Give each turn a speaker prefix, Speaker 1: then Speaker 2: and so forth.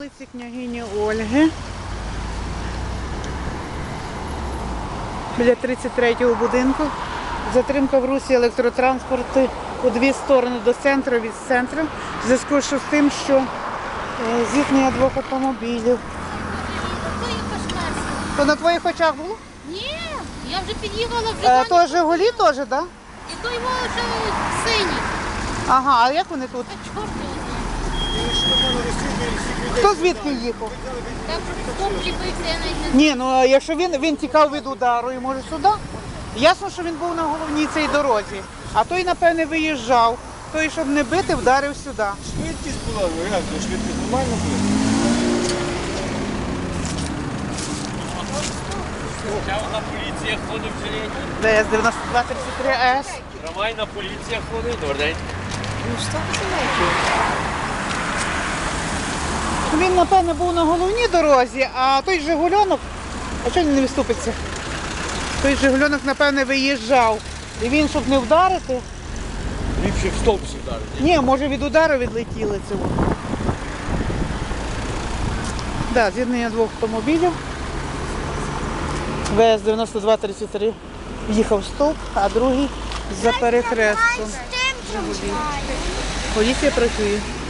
Speaker 1: Вулиці княгині Ольги. Біля 33-го будинку. Затримка в русі електротранспорту у дві сторони до центру, від центру. В зв'язку з тим, що зіткнення двох автомобілів. То на твоїх очах було?
Speaker 2: Ні, я вже під'їхала вже.
Speaker 1: То Жигулі теж, так? Да?
Speaker 2: І то його вже синій.
Speaker 1: Ага, а як вони тут?
Speaker 2: А чорт його знає.
Speaker 1: Хто звідки їхав?
Speaker 2: Так, стоп ліпився, я навіть не
Speaker 1: Ні, ну якщо він тікав від удару і може сюди, ясно, що він був на головній цій дорозі. А той, напевне, виїжджав. Той, щоб не бити, вдарив сюди.
Speaker 3: Швидкість була, ну як, швидкість нормально була?
Speaker 4: Травмайна поліція ходить в жилеті.
Speaker 1: ДС 9233 С.
Speaker 4: Трамвайна поліція ходить. Добрий день.
Speaker 1: Він, напевне, був на головній дорозі, а той Жигульонок, а чого він не виступиться? Той Жигульонок, напевне, виїжджав. І він, щоб не вдарити,
Speaker 4: Ліпше в стовп вдарити.
Speaker 1: ні, може від удару відлетіли цього. Так, з'єднання двох автомобілів. ВС 9233 їхав в стовп, а другий за перехрестом. Поліція працює.